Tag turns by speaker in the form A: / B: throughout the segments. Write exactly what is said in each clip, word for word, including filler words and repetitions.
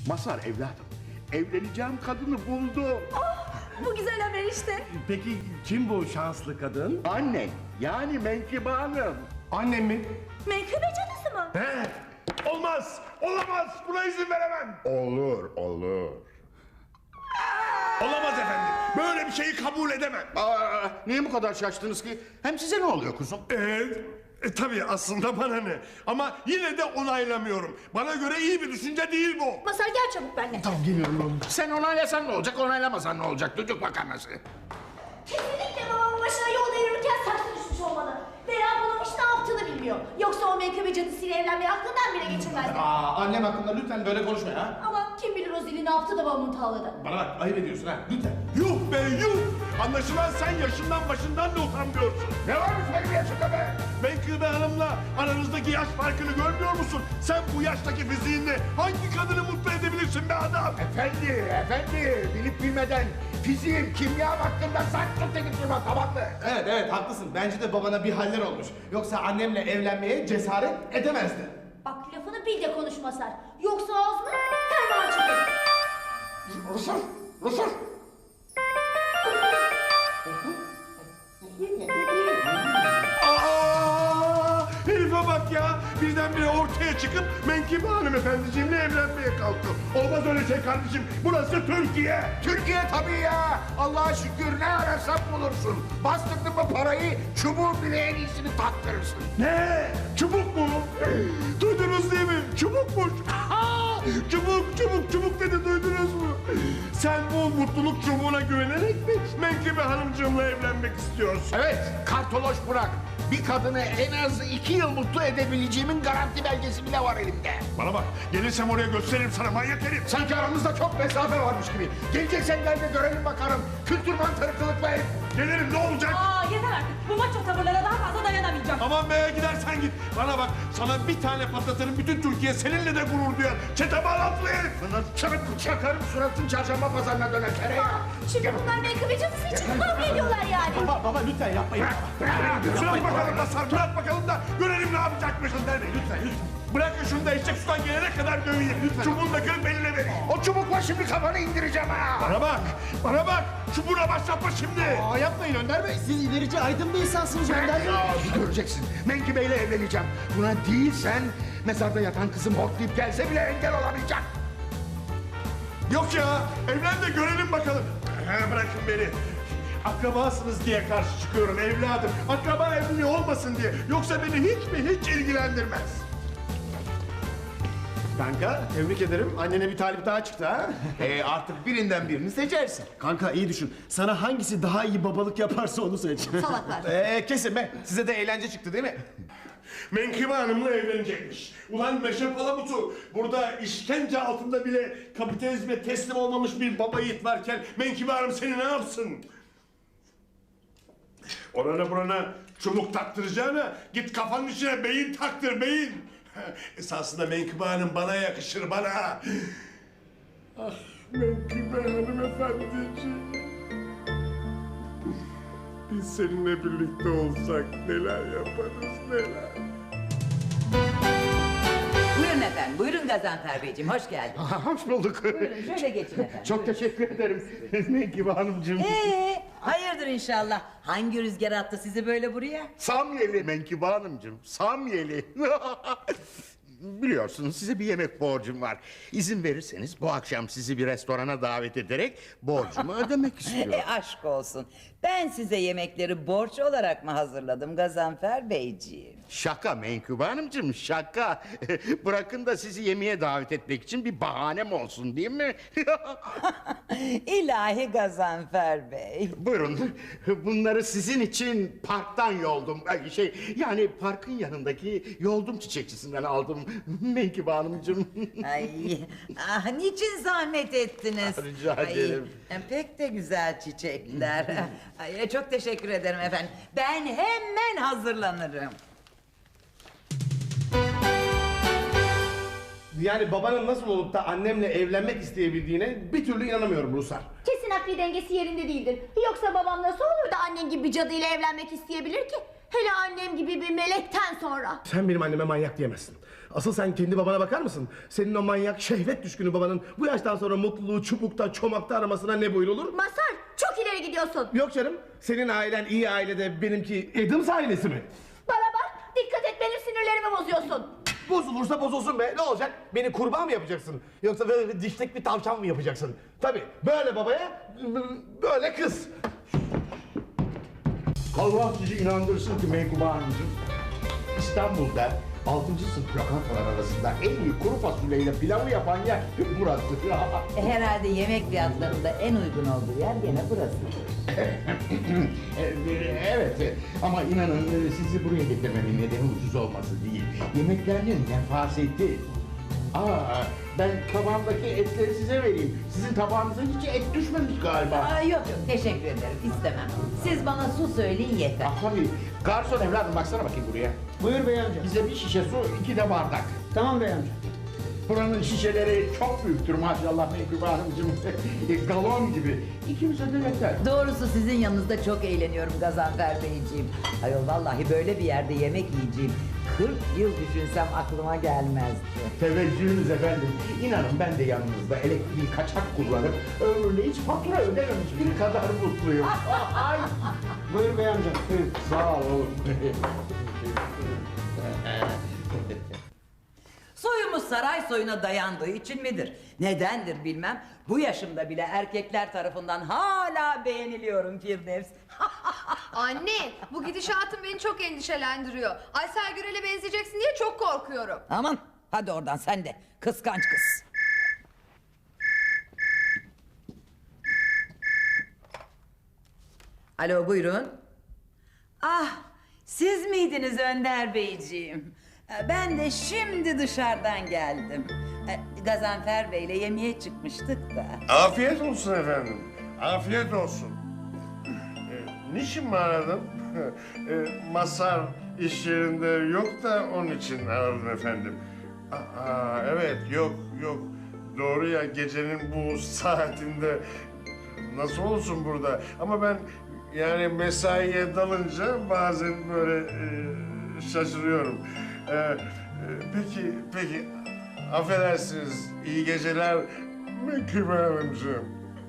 A: Mazhar evladım, evleneceğim kadını buldum.
B: Oh, bu güzel haber işte.
C: Peki kim bu şanslı kadın?
A: Annen, yani Menkıbe Hanım.
C: Annem mi?
B: Menkıbe cadısı mı?
C: He? Olmaz, olamaz. Buna izin veremem.
A: Olur, olur.
C: Olamaz efendim. Böyle bir şeyi kabul edemem.
A: Aa, niye bu kadar şaştınız ki? Hem size ne oluyor kuzum?
C: Ee, e, tabii aslında bana ne? Ama yine de onaylamıyorum. Bana göre iyi bir düşünce değil bu.
B: Mazhar gel çabuk benimle.
C: Tamam geliyorum oğlum.
A: Sen onaylasan ne olacak, onaylamasan ne olacak? Düdük makarnası.
B: Kesinlikle babamın başına yolda yürürken saksı düşmüş olmalı. Veya bunun hiç ne yaptığını bilmiyor. Yoksa o menkıbe cadısıyla evlenmeyi aklından bile geçirmezdi.
D: Aa, annem hakkında lütfen böyle konuşma ya.
B: Ama kim bilir o zili ne yaptı da babamı tavladı.
D: Bana bak, ayıp ediyorsun ha, lütfen.
C: Yuh be yuh! Anlaşılan sen yaşından başından da utanmıyorsun.
A: Ne varmış benim yaşımda be?
C: Menkıbe Hanım'la aranızdaki yaş farkını görmüyor musun? Sen bu yaştaki fiziğinle hangi kadını mutlu edebilirsin be adam?
A: Efendi, efendi, bilip bilmeden fiziğim, kimyam hakkında saç tut edip durma, tamam mı?
D: Evet evet haklısın, bence de babana bir haller olmuş. Yoksa annemle evlenmeye cesaret edemezdi.
B: Bak lafını bil de konuş Mazhar. Yoksa ağzını ferman çıkar.
A: Rusur, Rusur.
C: Aa, herife bak ya! Birdenbire ortaya çıkıp Menkıbe hanımefendiciğimle evlenmeye kalktı. Olmaz öyle şey kardeşim. Burası Türkiye.
A: Türkiye tabii ya. Allah'a şükür ne ararsan bulursun. Bastırdın mı parayı, çubuğun bile en iyisini taktırırsın.
C: Ne? Çubuk mu? Duydunuz değil mi? Çubukmuş. Aha! Çubuk, çubuk, çubuk dedi, duydunuz mu? Sen bu mutluluk çubuğuna güvenerek mi Menkıbe hanımcığımla evlenmek istiyorsun?
A: Evet, kartoloş bırak. Bir kadını en az iki yıl mutlu edebileceğimin garanti belgesi bile var elimde.
C: Bana bak, gelirsem oraya gösteririm sana manyak herif.
A: Sanki aramızda çok mesafe varmış gibi. Geleceksen gel de görelim bakalım. Kültür mantarı kılıklı herif.
C: Gelirim, ne olacak?
E: Aa yeter artık. Bu maço tavırlara daha fazla dayanamayacağım.
C: Aman be, gidersen git. Bana bak, sana bir tane patlatırım, bütün Türkiye seninle de gurur duyar. Çete bağlantılı herif.
A: Çarık çakarım suratın çarşamba pazarına döner tereyağı.
B: Şimdi bunlar menkıbe cadısı için kavga ediyorlar yani.
D: Baba, baba lütfen yapmayın.
C: Bırak bakalım Mazhar, bırak bakalım da görelim ne yapacakmışsın derdi. Lütfen, lütfen. Bırakın şunu da eşek sudan gelene kadar döveyim. Çubuğunu da kırıp eline vereyim.
A: O çubukla şimdi kafanı indireceğim ha.
C: Bana bak, bana bak. Çubuğuna başlatma şimdi.
D: Aa yapmayın Önder Bey, siz ilerici aydın bir insansınız Önder Bey.
A: Ya, bir göreceksin. Menkıbe ile evleneceğim. Buna değilsen mezarda yatan kızım hortlayıp gelse bile engel olamayacak.
C: Yok ya, evlen de görelim bakalım. He, bırakın beni. Akrabasınız diye karşı çıkıyorum evladım. Akraba evliliği olmasın diye. Yoksa beni hiç mi hiç ilgilendirmez.
F: Kanka tebrik ederim. Annene bir talip daha çıktı ha.
D: Ee, artık birinden birini seçersin.
F: Kanka iyi düşün. Sana hangisi daha iyi babalık yaparsa onu seç.
B: Salaklar.
D: Ee, kesin be, size de eğlence çıktı değil mi?
C: Menkıbe Hanım'la evlenecekmiş. Ulan Meşe Palamutu, burada işkence altında bile kapitalizme teslim olmamış bir baba yiğit varken Menkıbe Hanım seni ne yapsın? Orana burana çubuk taktıracağına git kafanın içine beyin taktır, beyin. Esasında Menkıbe Hanım bana yakışır, bana. Ah Menkıbe Hanım efendiciğim. Biz seninle birlikte olsak neler yaparız neler.
G: Buyurun efendim, buyurun Gazanfer Beyciğim, hoş geldiniz.
A: Hoş bulduk.
G: Buyurun, şöyle geçin efendim.
A: Çok teşekkür ederim Menkıbe Hanımcığım.
G: Ee, hayırdır inşallah. Hangi rüzgar attı sizi böyle buraya?
A: Samyeli Menkıbe Hanımcığım, Samyeli. Biliyorsunuz size bir yemek borcum var. İzin verirseniz bu akşam sizi bir restorana davet ederek borcumu ödemek istiyorum.
G: E aşk olsun. Ben size yemekleri borç olarak mı hazırladım Gazanfer Beyciğim?
A: Şaka Menkıbe Hanımcığım, şaka. Bırakın da sizi yemeğe davet etmek için bir bahanem olsun değil mi?
G: İlahi Gazanfer Bey.
A: Buyurun, bunları sizin için parktan yoldum. Ay, Şey, yani parkın yanındaki yoldum çiçekçisinden aldım Menkıbe Hanımcığım.
G: Ay, ah, niçin zahmet ettiniz?
A: Rica ederim.
G: Ay, pek de güzel çiçekler. Ay, çok teşekkür ederim efendim. Ben hemen hazırlanırım.
D: Yani babanın nasıl olup da annemle evlenmek isteyebildiğine bir türlü inanamıyorum Rusar.
B: Kesin akli dengesi yerinde değildir. Yoksa babam nasıl olur da annen gibi bir cadıyla evlenmek isteyebilir ki? Hele annem gibi bir melekten sonra.
C: Sen benim anneme manyak diyemezsin. Asıl sen kendi babana bakar mısın? Senin o manyak şehvet düşkünü babanın bu yaştan sonra mutluluğu çubukta çomakta aramasına ne buyrulur?
B: Masar çok ileri gidiyorsun.
C: Yok canım, senin ailen iyi ailede, benimki Adams ailesi mi?
B: Bana bak dikkat et benim sinirlerimi bozuyorsun.
C: Bozulursa bozulsun be, ne olacak? Beni kurban mı yapacaksın? Yoksa böyle dişlik bir tavşan mı yapacaksın? Tabii, böyle babaya, böyle kız.
A: Allah sizi inandırsın ki Menkıbe Hanımcığım, İstanbul'da altıncı sınıf lokantalar arasında en iyi kuru fasulyeyle pilavı yapan yer burası.
G: E, Herhalde yemek fiyatlarında en uygun olduğu yer gene burası.
A: Evet ama inanın sizi buraya getirmemin nedeni ucuz olması değil. Yemeklerinin nefaseti. Aa, ben tabağımdaki etleri size vereyim. Sizin tabağınıza hiç et düşmemiş galiba.
G: Aa, yok yok teşekkür ederim istemem. Siz bana su söyleyin yeter.
A: Ah tabii. Garson evladım baksana bakayım buraya.
F: Buyur bey amca.
A: Bize bir şişe su, iki de bardak.
F: Tamam bey amca.
A: Buranın şişeleri çok büyüktür maşallah Menkıbe Hanımcığım. Galon gibi. İkimize de yeter.
G: Doğrusu sizin yanınızda çok eğleniyorum Gazanfer Beyciğim. Ayol vallahi böyle bir yerde yemek yiyeceğim. kırk yıl düşünsem aklıma gelmezdi.
A: Teveccühünüz efendim. İnanın ben de yanınızda elektriği kaçak kullanıp ömrümde hiç fatura ödememiş biri kadar mutluyum. Ay.
F: Buyur bey amca. Buyur.
A: Sağ olun.
G: Soyumuz saray soyuna dayandığı için midir? Nedendir bilmem. Bu yaşımda bile erkekler tarafından hala beğeniliyorum Firdevs.
H: Anne, bu gidişatın beni çok endişelendiriyor. Aysel Gürel'e benzeyeceksin diye çok korkuyorum.
G: Aman hadi oradan sen de kıskanç kız. Alo buyurun. Ah siz miydiniz Önder Beyciğim? Ee, Ben de şimdi dışarıdan geldim. Ee, Gazanfer Bey'le yemeğe çıkmıştık da.
C: Afiyet olsun efendim, afiyet olsun. E, niçin mi aradın? e, Masar iş yerinde yok da onun için aradım efendim. Aa, evet, yok, yok. Doğru ya, gecenin bu saatinde nasıl olsun burada? Ama ben yani mesaiye dalınca bazen böyle e, şaşırıyorum. E, e, peki, peki, affedersiniz, iyi geceler Menkıbe Hanımcığım.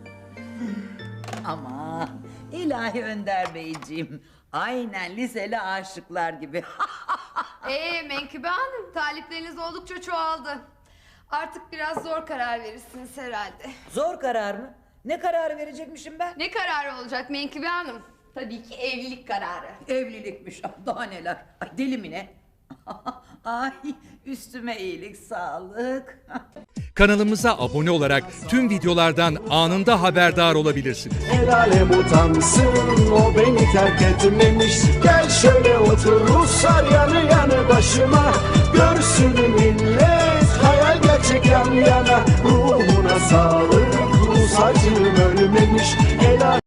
G: Aman ilahi Önder Beyciğim. Aynen liseli aşıklar gibi.
H: Ee Menkıbe Hanım, talipleriniz oldukça çoğaldı. Artık biraz zor karar verirsiniz herhalde.
G: Zor karar mı? Ne kararı verecekmişim ben?
H: Ne kararı olacak Menkıbe Hanım? Tabii ki evlilik kararı.
G: Evlilikmiş. Daha neler. Ay deli mi ne? Ay üstüme iyilik sağlık.
I: Kanalımıza abone olarak tüm videolardan anında haberdar olabilirsiniz.
F: El alem utansın o beni terk etmemiş. Gel şöyle otur Ruslar yanı yanı başıma. Görsün millet hayal gerçek yan yana. Ruhuna sağlık Rus acım ölmemiş. El alem-